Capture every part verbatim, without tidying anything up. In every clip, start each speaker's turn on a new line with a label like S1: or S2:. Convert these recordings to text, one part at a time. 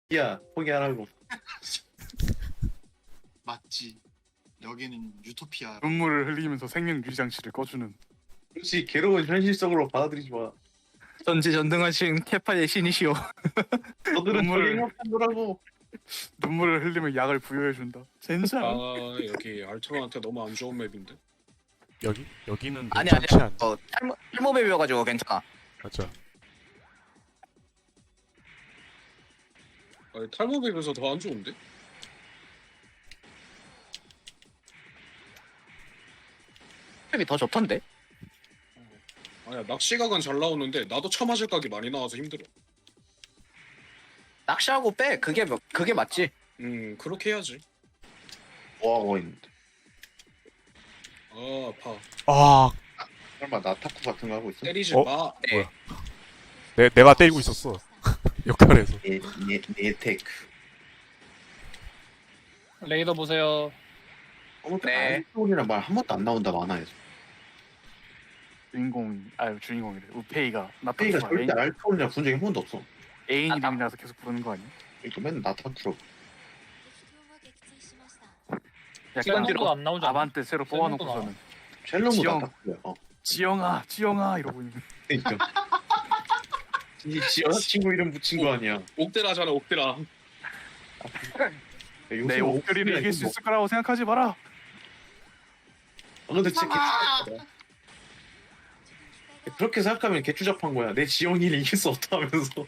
S1: 야 포기하라고.
S2: 맞지. 여기는 유토피아.
S3: 눈물을 흘리면서 생명 유지 장치를 꺼주는.
S1: 그렇지 괴로운 현실적으로 받아들이지 마.
S4: 전지전능하신 캐파의 신이시오.
S1: 너들은
S3: 눈물을-
S1: 저기 행복하더라고.
S3: 눈물을 흘리면 약을 부여해준다. 젠장.
S5: 아 여기 알트로한테 너무 안 좋은 맵인데.
S6: 여기? 여기는
S4: 아니 아니.
S6: 괜찮지 않
S4: 어 탈모 탈모맵이어가지고 괜찮아.
S6: 맞아.
S5: 아니 탈모 맵에서 더 안 좋은데?
S4: 맵이 더 좋던데.
S5: 아니야 낚시각은 잘 나오는데 나도 처맞을 각이 많이 나와서 힘들어.
S4: 낚시하고 빼. 그게 뭐- 그게 맞지.
S5: 음 그렇게 해야지.
S1: 뭐하고 있는데?
S5: 아 아파.
S6: 아,
S1: 설마 나타쿠 같은 거 하고 있어?
S5: 때리지
S6: 어?
S5: 마.
S4: 네.
S6: 내 내가 때리고 있었어. 역할에서.
S1: 네네 테크.
S7: 레이더 보세요.
S4: 네.
S1: 알토이란 말 한 번도 안 나온다 만화에서.
S3: 주인공 아 주인공이래. 우페이가
S1: 페이가
S3: 나타쿠가
S1: 절대 알토이란 본 적이 한 번도 없어.
S3: 애인
S4: 아,
S3: 이름이라서 계속 부르는 거 아니야?
S1: 그러니까 맨날 나타쿠로.
S3: 약간
S7: 셀럽도 안 나오잖아.
S3: 아반떼 새로
S7: 셀럽도
S3: 뽑아놓고서는
S1: 첼로모
S3: 지영.
S1: 나타쿠야. 어.
S3: 지영아 지영아 이러고 있는.
S1: 그러니까. 이 지연 친구 이름 붙인 거 아니야?
S5: 옥대라잖아 옥대라.
S1: 요새
S3: 내 옥결이를 이길 수 있을 거라고 생각하지 마라.
S1: 아, 근데 진짜 개추잡하다. 그렇게 생각하면 개추잡한 거야. 내 지영이를 이길 수 없다면서.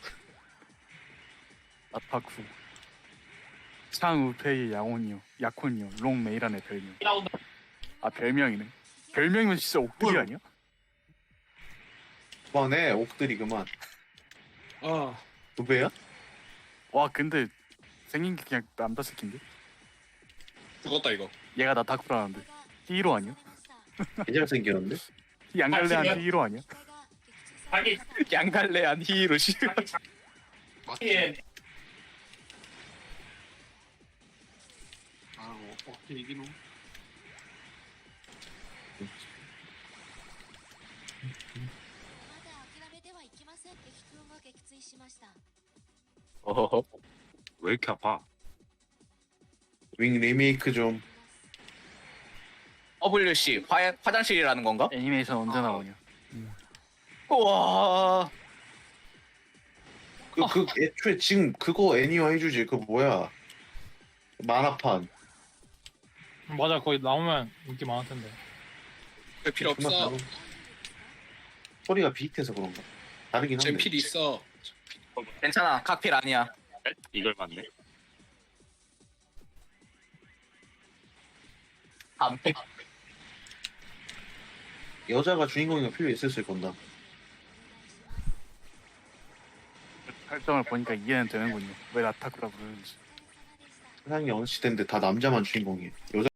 S3: 나타쿠 창우페이 양온이요 약혼이요 롱메이란의 별명. 아 별명이네. 별명이면 진짜 옥들이 아니야?
S1: 그만해 옥들이 그만.
S5: 아
S1: 두 배야?
S3: 와 근데 생긴 게 그냥 남자 새끼인데?
S5: 죽었다 이거.
S3: 얘가 나타쿠라는데 히로 아니야?
S1: 개잘 생겼는데?
S3: 양갈래한 히로 아니야?
S4: 양갈래한 히로 씨.
S2: 맞지. 아이고 어떻게 이기노?
S4: 어허허.
S8: 왜 이렇게 아파?
S1: 윙 리메이크 좀.
S4: 더블유씨 화 화장실이라는 건가?
S3: 애니메이션 언제 나오냐?
S4: 우와.
S1: 그, 그 애초에 지금 그거 애니화 해주지. 그 뭐야? 만화판.
S7: 맞아, 거기 나오면 인기 많을 텐데.
S5: 왜 필요 없어.
S1: 그만 나와. 소리가 비슷해서 그런가? 다르긴 한데.
S5: 젠필 있어.
S4: 괜찮아. 각필 아니야.
S8: 이걸 맞네.
S4: 안 빼.
S1: 여자가 주인공이가 필요 있었을 건다.
S3: 설정을 보니까 이해는 되는군요. 왜 나타쿠라 부르는지.
S1: 세상이 어느 시대인데 다 남자만 주인공이에요. 여자